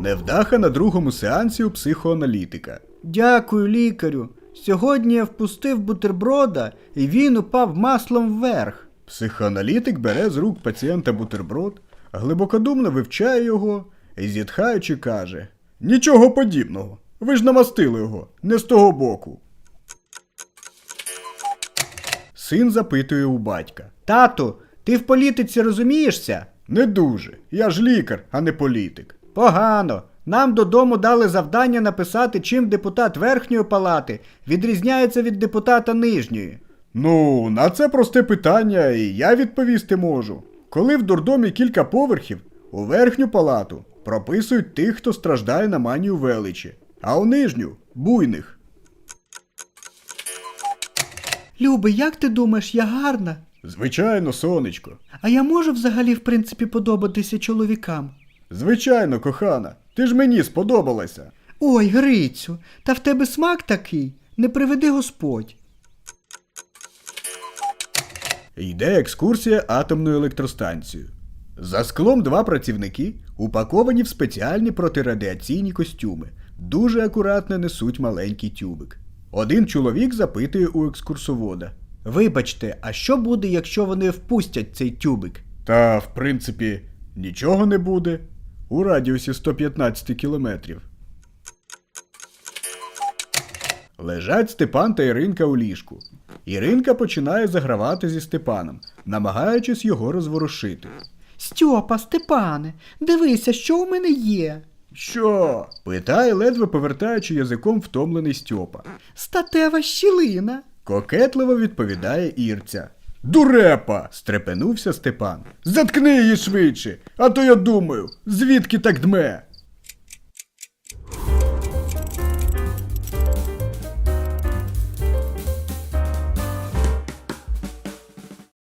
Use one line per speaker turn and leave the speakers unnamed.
Невдаха на другому сеансі у психоаналітика.
Дякую, лікарю. Сьогодні я впустив бутерброда, і він упав маслом вверх.
Психоаналітик бере з рук пацієнта бутерброд, глибокодумно вивчає його і, зітхаючи, каже: «Нічого подібного. Ви ж намастили його, не з того боку». Син запитує у батька:
Тату, ти в політиці розумієшся?
«Не дуже. Я ж лікар, а не політик».
Погано. Нам додому дали завдання написати, чим депутат Верхньої палати відрізняється від депутата Нижньої.
Ну, на це просте питання і я відповісти можу. Коли в дурдомі кілька поверхів, у верхню палату прописують тих, хто страждає на манію величі, а у нижню – буйних.
Любий, як ти думаєш, я гарна?
Звичайно, сонечко.
А я можу взагалі в принципі подобатися чоловікам?
Звичайно, кохана. Ти ж мені сподобалася.
Ой, Грицю, та в тебе смак такий, не приведи Господь.
Йде екскурсія атомною електростанцією. За склом два працівники, упаковані в спеціальні протирадіаційні костюми, дуже акуратно несуть маленький тюбик. Один чоловік запитує у екскурсовода:
Вибачте, а що буде, якщо вони впустять цей тюбик?
Та, в принципі, нічого не буде. У радіусі 115 кілометрів. Лежать Степан та Іринка у ліжку. Іринка починає загравати зі Степаном, намагаючись його розворушити.
Стьопа, Степане, дивися, що у мене є.
«Що?» – питає, ледве повертаючи язиком втомлений Стьопа.
Статева щілина.
Кокетливо відповідає Ірця. «Дурепа!» – стрепенувся Степан. «Заткни її швидше, а то я думаю, звідки так дме?»